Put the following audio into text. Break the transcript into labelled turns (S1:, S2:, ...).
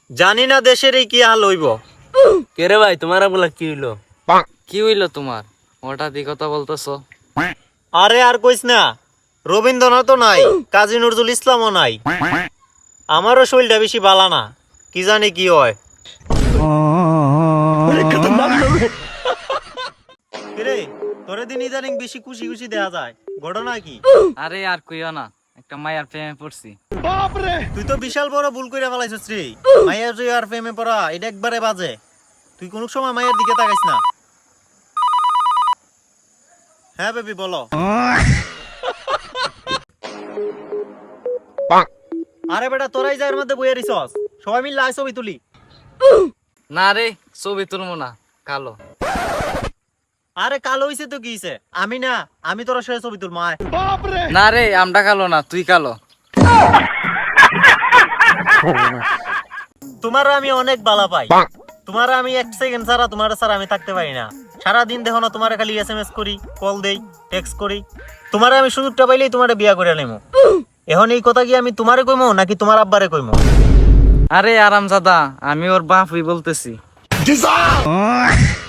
S1: জানি না দেশের এই কি হাল হইব।
S2: কে রে ভাই তোমার বলা কি হইলো?
S3: কি হইলো তোমার? হঠাৎ এই কথা বলতেছো?
S1: আরে আর কইস না, রবীন্দ্রনাথও নাই, কাজী নজরুল ইসলামও নাই। আমারও শরীরটা বেশি বালা না, কি জানি কি হয়। কিরে, তোরে দিন ইদানিং বেশি খুশি খুশি দেয়া যায়, ঘটনা কি?
S3: আরে আর কইও না, একটা মায়ার প্রেমে পড়ছি।
S1: তুই তো বিশাল বড় ভুল করে ফেলাইছিস রে। মাইয়ার যে আর প্রেমে পড়া এটা একবারে বাজে। তুই কোন সময় মায়ের দিকে তাকাইস না। হ্যাঁ বেবি বলো। আরে বেটা তোরাই যার মধ্যে বইয়া রিসস, সবাই মিলে আয় ছবি তুলি।
S3: না রে, ছবি তুলবো না, কালো।
S1: আরে কালো হইছে তো কি হইছে? আমি না, আমি তোরা সে ছবি তুলবো আয়।
S3: না রে, আমরা কালো না, তুই কালো।
S1: তোমার আমি অনেক বালা পাই। তোমার আমি এক সেকেন্ড ছাড়া তোমার ছাড়া আমি থাকতে পারি না। সারাদিন দেখো না তোমার খালি SMS করি, কল দেই, টেক্সট করি। তোমার আমি সুযোগটা পাইলেই তোমার বিয়া করে নেবো। এখন এই কথা কি আমি তোমারে কইমো নাকি তোমার আব্বারে কইমো?
S3: আরে আরামজাদা, আমি ওর বাপই বলতেছি।